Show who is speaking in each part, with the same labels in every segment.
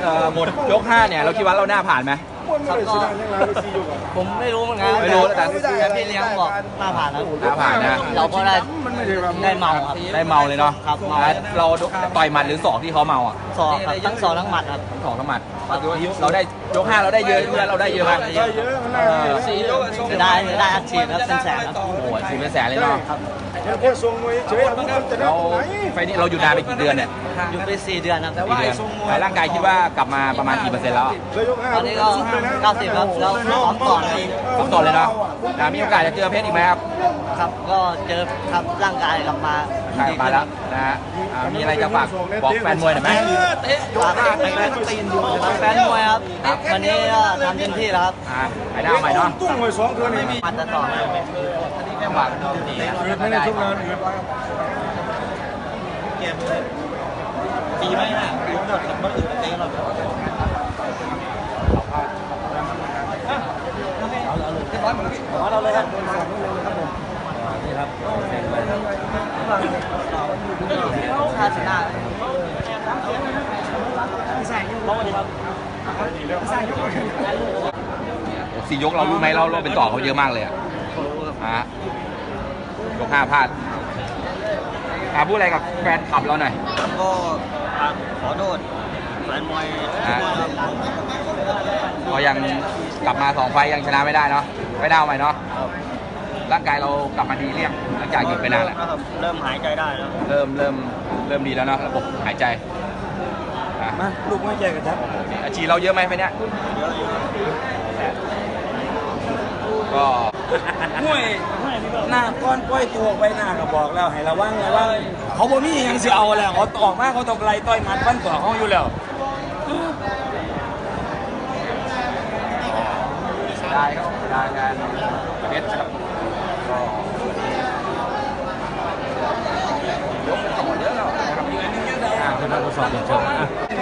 Speaker 1: หมดยก5เนี่ยเราคิดว่าเราหน้าผ่านไหม
Speaker 2: ครับก็ผมไม่รู้เหมือนกัน
Speaker 1: ไม่รู้แต่
Speaker 2: พี่เลี้ยงบอกหน้าผ่านแล้ว
Speaker 1: หน้าผ่านนะ
Speaker 2: เราก็ได้เมาครับ
Speaker 1: ได้เมาเลยเนาะ
Speaker 2: ครับ
Speaker 1: เราต่อยหมัดหรือศอกที่เขาเมาอ่ะ
Speaker 2: ศอกครับทั้งศอกทั้งหมัดครับ
Speaker 1: ศอกทั้งหมัดเราได้ยก5เราได้เยอะเราได้เยอะมาก
Speaker 2: จะได้อัดฉีดครับเป็นแสนครับ
Speaker 1: โอ้โหฉีดเป็นแสนเลยเนาะ
Speaker 2: ครับ
Speaker 1: เราไฟนี้เราอยู่นานไปกี่เดือนเนี่ย
Speaker 2: อยู่ไป4 เดือนครับ
Speaker 1: ร่างกายคิดว่ากลับมาประมาณกี่เปอร์เซ็นต์แล้ว
Speaker 2: ตอนนี้ก็90ครับแล้วซ้อมก่อน
Speaker 1: ซ้อมต่อเลยเนาะมีโอกาสจะเจอเพชรอีกไหมครับ
Speaker 2: ครับก็เจอครับร่างกายกลับมา
Speaker 1: แล้วนะฮะมีอะไรจะฝากบอกแฟนมวยหน่อยไหม
Speaker 2: ฝากแฟนมวยครับวันนี้ก็ทำเต็มที่แล้วครับ
Speaker 1: ไปได้ใหม่เนาะ
Speaker 3: ตุ้งไว้2 เดือนนี่
Speaker 2: มันจะต่อ
Speaker 1: จังหวะดี
Speaker 3: ไม่ได้ทุกงาน
Speaker 2: ดีไหมฮะรู้หมดครับเมื่ออื่นเต้เราเราเลยครับนี่ครับค่าชนะ
Speaker 1: 4 ยกเรารู้ไหมเราเป็นต่อเขาเยอะมากเลยยก5พลาดพูดอะไรกับแฟนคลับเราหน่อย
Speaker 2: ก็ขอโทษแฟนมวย
Speaker 1: ก็ยังกลับมา2 ไฟยังชนะไม่ได้เนาะไม่ได้เอาใหม่เนาะร่างกายเรากลับมาดีเรียงหลังจากหยุดไปนานแล้ว
Speaker 2: เริ่มหายใจได้แล้ว
Speaker 1: เริ่มดีแล้วเนาะระบบหายใจ
Speaker 3: มาลูกไม่แจกกันครับ
Speaker 1: อาชีพเราเยอะไหมไปเนี้ยก็
Speaker 3: มวยหน้าก้อนก้อยตัวไปหน้าก็บอกแล้วให้ระวังเขาบ่มียังสิเอาแล้วเขาออกมาเขาตบไหลต่อยหมัดฟันต่อเขาอยู่แล้ว
Speaker 1: ได้ครับได้กันเบ็ดครับก็ยกต่อเยอะแล้วนะครับ
Speaker 3: เป็นการทดสอบเชิง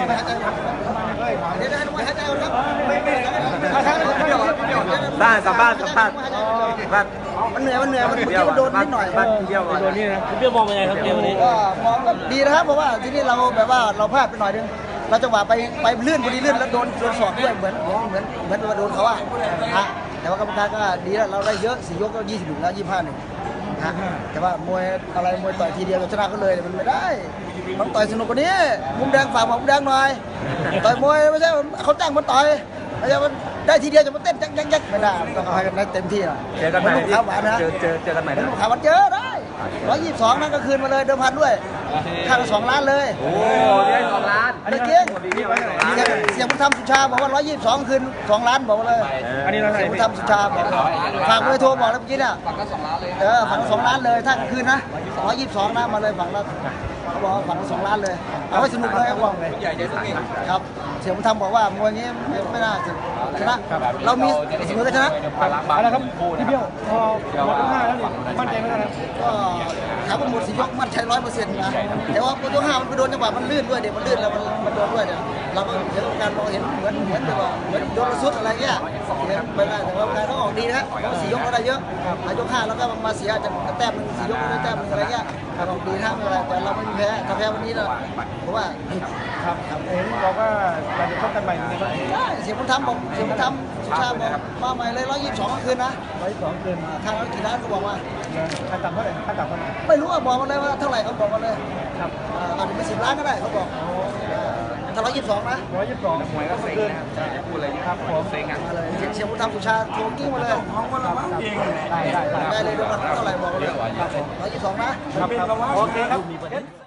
Speaker 3: บ้านสัมภาษณ์มันเหนื่อยมันโดนนิดหน่อยเบี้ยวโดนนี่นะเบี้ยวมองยังไงครับเกมวันนี้
Speaker 4: ก็มองก็ดีนะครับเพราะว่าที่นี่เราแบบว่าเราพลาดไปหน่อยนึงเราจังหวะไปลื่นพอดีลื่นแล้วโดนศอกด้วยเหมือนโดนเขาอะฮะแต่ว่ากรรมการก็ดีแล้วเราได้เยอะ4 ยกก็20 แล้ว25 1ฮะแต่ว่ามวยต่อยทีเดียวชนะก็เลยมันไม่ได้มันต่อยสนุกกว่านี้มุมแดงฝากมุมแดงหน่อยต่อยมวยไม่ใช่เขาจ้างมันต่อยไม่ใช่มันได้ทีเดียวจะมาเต้นยักไม่ได้ต้องเอาให้กันได้เต็มที่หรอ
Speaker 1: เจอกันใหม่
Speaker 4: ข้าวหวานนะ
Speaker 1: เจอกันใหม่นะ
Speaker 4: ข้าวหวานเจอได้122นั่นก็คืนมาเลยเดิมพันด้วยค่าละ2 ล้านเลย
Speaker 1: โอ้ได้2 ล้าน
Speaker 4: อันนี้เก่งเสียงผู้ทำสุชาบอกว่า122คืน2 ล้านบอกเลย
Speaker 3: อันนี้เรา
Speaker 4: เสียงผู้ทำสุชาบอกฝากเลยโทรบอกแล้วเมื่อกี้เนี่ย
Speaker 1: ฝั่งก็2 ล้านเลย
Speaker 4: ฝั่งละ2 ล้านเลยถ้าคืนนะ122นะมาเลยฝั่งละเขาบอกฝั่งละ2 ล้านเลยเอาให้สนุกเลยเขาบอกเลยครับเสียงผู้ทำบอกว่ามวยงี้ไม่น่าชนะเรามีเสมอกันชนะ
Speaker 3: อะไรครับพี่เบี้ยวพอหมดยก5แล้วนี่มั่นใจไหมครับ
Speaker 4: ก็ถามว่าหมด4 ยกมั่นใจ 100%นะแต่ว่าหมดยก5มันไปโดนจังหวะมันลื่นด้วยเดี๋ยวมันลื่นแล้วมันโดนด้วยเนี่ยเราก็เห็นการมองเห็นเหมือนแบบว่าเหมือนโดนระสุดอะไรเงี้ยไม่ได้แต่ว่าการเขาออกดีนะ4 ยกเราได้เยอะยก5แล้วก็มาเสียจะแต้ม4 ยกได้แต้มอะไรเงี้ยออกดีนะไม่เป็นไรแต่เราไม่มีแพ้ถ้าแพ้วันนี้นะเพราะว่า
Speaker 3: ครับเห็นบอกว่าเราจะชกกันใหม่ในวันนี้
Speaker 4: เสียงมันทำบอกเสียงมันทำสุชาบอกมาใหม่เลย122คืนนะ
Speaker 3: 122คืน
Speaker 4: ค่าแล้วกี่ล้านเขาบอกว่า
Speaker 3: ค่าต่ำเท่าไหร่
Speaker 4: ไม่รู้อ่ะบอกมาเลยว่าเท่าไหร่เขาบอกมาเลย
Speaker 3: ครับ
Speaker 4: อาจจะเป็น10 ล้านก็ได้เขาบอกถ้า122นะ
Speaker 3: 122
Speaker 1: มวยก็เซ็งนะพูดอะไรนี่ครับผมเซ็งอ่ะ
Speaker 4: เสียงมันทำสุชาโทรกิ้งมาเลย
Speaker 3: ของวันละมั้งเอง
Speaker 4: ได้เลยดูกันเท่าไหร่บอกเลย122นะ
Speaker 3: โอเคครับ